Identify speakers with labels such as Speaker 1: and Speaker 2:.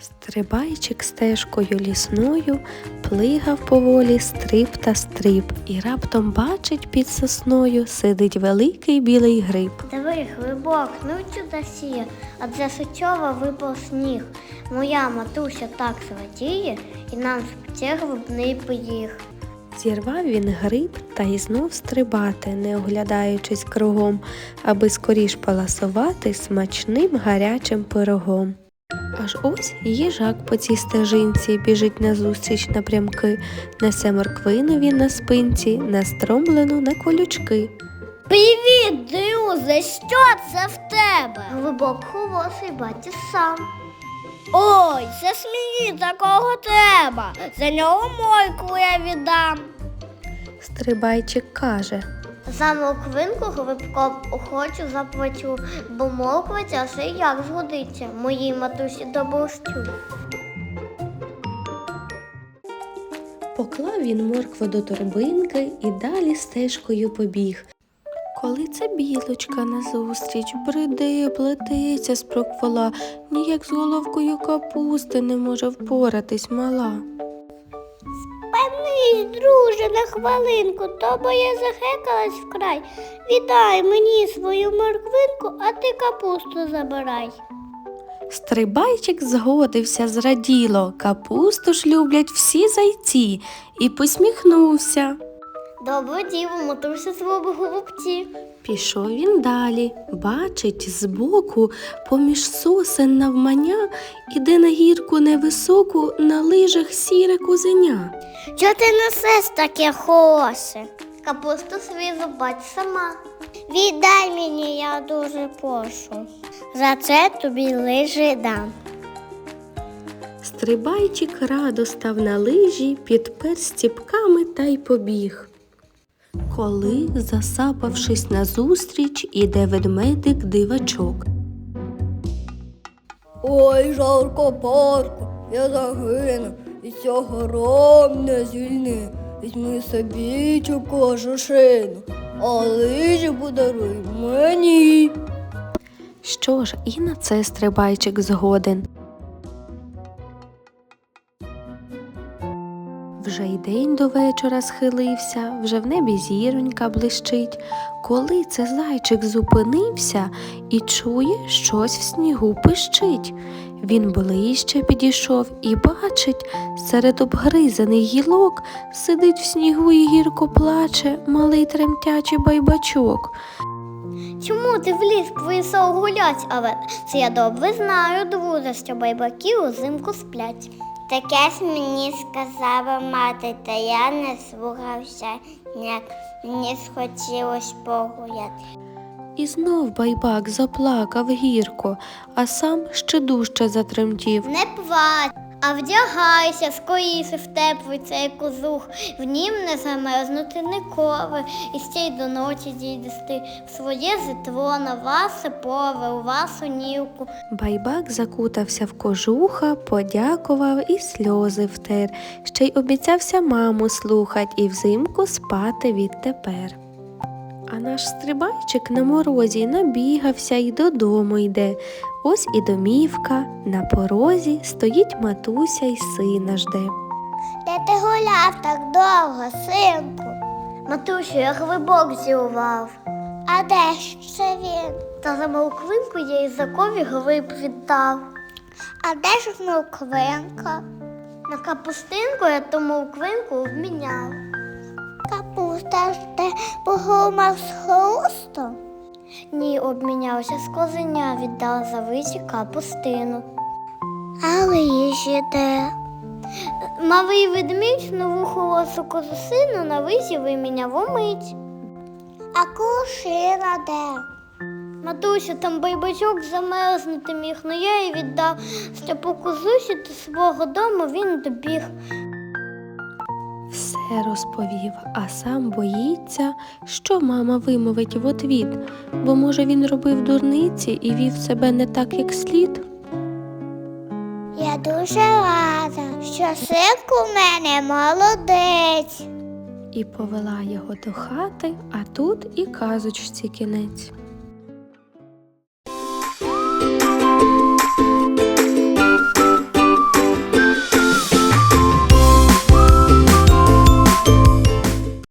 Speaker 1: Стрибайчик стежкою лісною плигав поволі стрип та стрип, і раптом бачить, під сосною сидить великий білий гриб.
Speaker 2: Диви, грибок, ну чудосія, а для Сичова випав сніг. Моя матуся так зрадіє, і нам спече грибний пиріг.
Speaker 1: Зірвав він гриб та й знов стрибати, не оглядаючись кругом, аби скоріш поласувати смачним гарячим пирогом. Аж ось їжак по цій стежинці біжить назустріч напрямки, несе морквину він на спинці, настромлену на колючки.
Speaker 2: Привіт, друже, що це в тебе? Грибок холосий, бачиш сам. Ой, це ж мені такого треба, за нього моркву я віддам.
Speaker 1: Стрибайчик каже:
Speaker 2: За морквинку грибком охочу заплачу, бо морква ця ще як згодиться моїй матусі до борщу.
Speaker 1: Поклав він моркву до торбинки і далі стежкою побіг. Коли це білочка назустріч бреде, плететься спроквола, ніяк з головкою капусти не може впоратись мала.
Speaker 2: Спинись, друже, на хвилинку, то бо я захекалась вкрай. Віддай мені свою морквинку, а ти капусту забирай.
Speaker 1: Стрибайчик згодився зраділо, капусту ж люблять всі зайці, і посміхнувся.
Speaker 2: Добре діло, матуся свого голубці.
Speaker 1: Пішов він далі, бачить збоку, поміж сосен навмання, іде на гірку невисоку, на лижах сіре козеня.
Speaker 2: Чого ти несеш таке холосе? Капусту свою бач сама. Віддай мені, я дуже прошу. За це тобі лижі дам.
Speaker 1: Стрибайчик радо став на лижі, підпер стіпками та й побіг. Коли, засапавшись назустріч, іде ведмедик-дивачок.
Speaker 3: Ой, жарко парко, я загину, і цього ром не звільни. Візьми собі цю кожушину, а лижі подаруй мені.
Speaker 1: Що ж, і на це стрибайчик згоден. Вже й день до вечора схилився, вже в небі зіронька блищить. Коли це зайчик зупинився і чує, щось в снігу пищить. Він ближче підійшов і бачить, серед обгризаних гілок сидить в снігу і гірко плаче малий тремтячий байбачок.
Speaker 2: Чому ти в ліс прийшов гулять, але це я добре знаю, друже, що байбаки узимку сплять. Таке ж мені сказала мати, та я не слухався, ніяк мені схотілось погуляти.
Speaker 1: І знов байбак заплакав гірко, а сам ще дужче затремтів.
Speaker 2: Не плач, а вдягайся скоріше в теплий цей кожух, в нім не замерзнути ніколи, і ще й до ночі дійдеш ти в своє житло, на ваше поле, у вашу нівку.
Speaker 1: Байбак закутався в кожуха, подякував і сльози втер, ще й обіцявся маму слухать і взимку спати відтепер. А наш стрибайчик на морозі набігався й додому йде. Ось і домівка, на порозі стоїть матуся й сина жде.
Speaker 2: Де ти гуляв так довго, синку? Матусю, я грибок зірвав. А де ж це він? Та за морквинку я Ізакові гриб віддав. А де ж морквинка? На капустинку я ту морквинку обміняв. Капуста ж ти погромав з хрустом? Ні, обмінявся з козеня, віддав за виті капустину. А лижі де? Малий ведмідь нову холосу козусину на визі виміняв умить. А кушина де? Матуся, там байбачок замерзнути міг, но я й віддав, що по козусі до свого дому він добіг.
Speaker 1: Все розповів, а сам боїться, що мама вимовить в отвіт, бо, може, він робив дурниці і вів себе не так, як слід.
Speaker 2: Я дуже рада, що синку в мене молодець.
Speaker 1: І повела його до хати, а тут і казочці кінець.